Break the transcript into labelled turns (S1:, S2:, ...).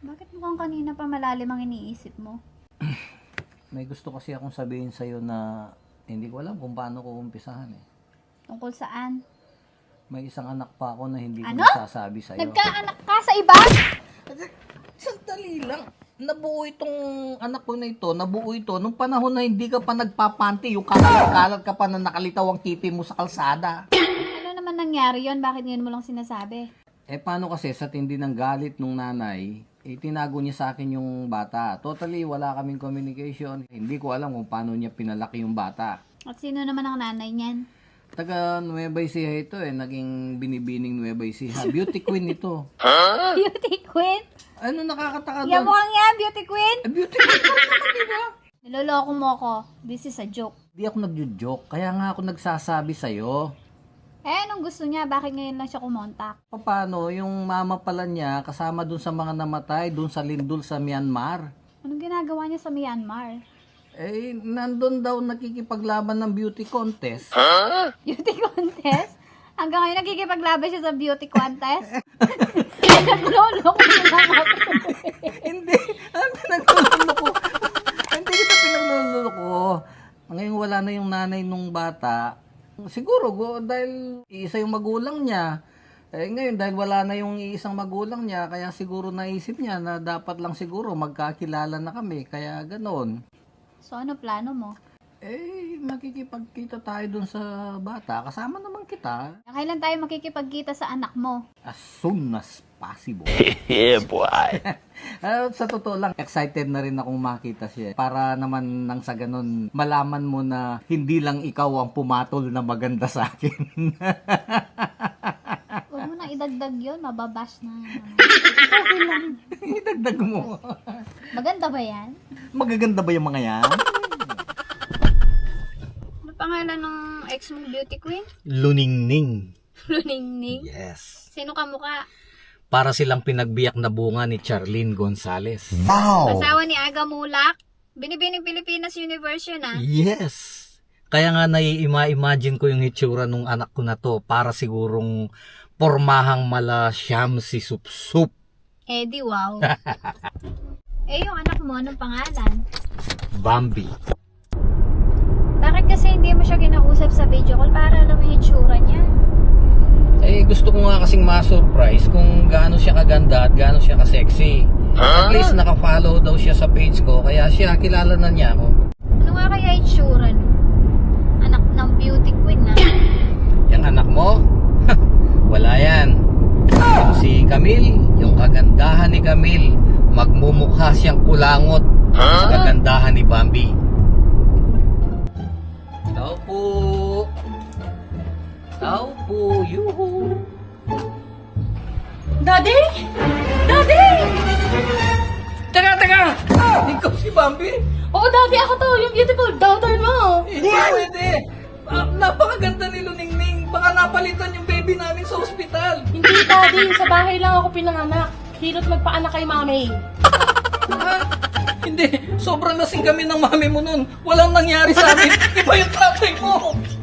S1: Bakit mukhang kanina pa malalim ang iniisip mo?
S2: May gusto kasi akong sabihin sa'yo na hindi ko alam kung paano ko umpisahan eh.
S1: Tungkol saan?
S2: May isang anak pa ako na hindi ko
S1: Ano?
S2: nasasabi sa'yo.
S1: Nagkaanak ka sa iba?
S2: Sandali lang. Nabuo itong anak ko na ito, nabuo ito nung panahon na hindi ka pa nagpapanti, yung kalat ka pa na nakalitaw ang kipi mo sa kalsada.
S1: Ano naman nangyari yon? Bakit ngayon mo lang sinasabi?
S2: Eh paano kasi sa tindi ng galit nung nanay, tinago niya sa akin yung bata. Totally wala kaming communication. Hindi ko alam kung paano niya pinalaki yung bata.
S1: At sino naman ang nanay niyan?
S2: Taga Nueva Ecija ito eh, naging binibining Nueva Ecija. Beauty queen ito.
S1: Beauty queen?
S2: Ano nakakataka
S1: Yan
S2: doon?
S1: mukhang yan, beauty queen?
S2: Beauty queen ko naman, diba?
S1: Niloloko mo ako. This is a joke.
S2: Di ako nagjo-joke, kaya nga ako nagsasabi sa'yo.
S1: Eh, anong gusto niya? Bakit ngayon lang siya kumontak?
S2: Paano, yung mama pala niya, kasama dun sa mga namatay, dun sa lindol sa Myanmar.
S1: Anong ginagawa niya sa Myanmar?
S2: Eh, nandun daw nakikipaglaban ng beauty contest.
S1: Beauty contest? Hanggang ngayon nakikipaglaban siya sa beauty contest? Nagloloko mo lang ako.
S2: Hindi, ang pinaglulolo ko. Hindi kita pinaglulolo ko. Ngayon wala na yung nanay nung bata. Siguro, dahil isa yung magulang niya. Eh, ngayon, dahil wala na yung isang magulang niya, kaya siguro naisip niya na dapat lang siguro magkakilala na kami. Kaya ganon.
S1: So, ano plano mo?
S2: Eh, makikipagkita tayo dun sa bata. Kasama naman kita.
S1: Kailan tayo makikipagkita sa anak mo?
S2: As soon as possible.
S3: Yeah, boy.
S2: Sa totoo lang, excited na rin akong makita siya. Para naman nang sa ganun, malaman mo na hindi lang ikaw ang pumatol na maganda sa akin.
S1: Huwag mo nang idagdag yun, mababash na.
S2: Okay lang. Idagdag mo.
S1: Maganda ba yan?
S2: Magaganda ba yung mga yan?
S1: Ano pangalan ng ex mong beauty queen?
S2: Luningning.
S1: Luningning?
S2: Yes.
S1: Sino ka mukha?
S2: Para silang pinagbiyak na bunga ni Charlene Gonzales.
S1: Asawa ni Aga Mulak? Binibining Pilipinas Universe yun ah.
S2: Yes. Kaya nga nai-imagine ko yung hitsura nung anak ko na to para sigurong pormahang mala siyam si Sup-Sup.
S1: Eh di wow. Eh yung anak mo, anong pangalan?
S2: Bambi.
S1: Bakit kasi hindi mo siya kinausap sa video call para alam mo yung hitsura niya?
S2: Eh, gusto ko nga kasing ma-surprise kung gaano siya kaganda at gaano siya ka-sexy. At least naka-follow daw siya sa page ko, kaya siya, kilala na niya ako.
S1: Ano nga kaya hitsura no? Anak ng beauty queen na.
S2: Yung anak mo? Wala yan. Yung si Camille, yung kagandahan ni Camille, magmumukha siyang kulangot sa kagandahan ni Bambi. Tao po. Tao po, yuhu.
S4: Daddy! Daddy!
S2: Teka! Ikaw si Bambi?
S4: Oo, Daddy, ako to, yung beautiful daughter mo.
S2: Hindi pwede. Napakaganda ni Luningning. Baka napalitan yung baby namin sa ospital.
S4: Hindi, Daddy, sa bahay lang ako pinanganak. Hirot magpaanak kay Mami.
S2: Hindi. Sobrang lasing kami ng mami mo nun. Walang nangyari sa amin. Iba yung tatay mo.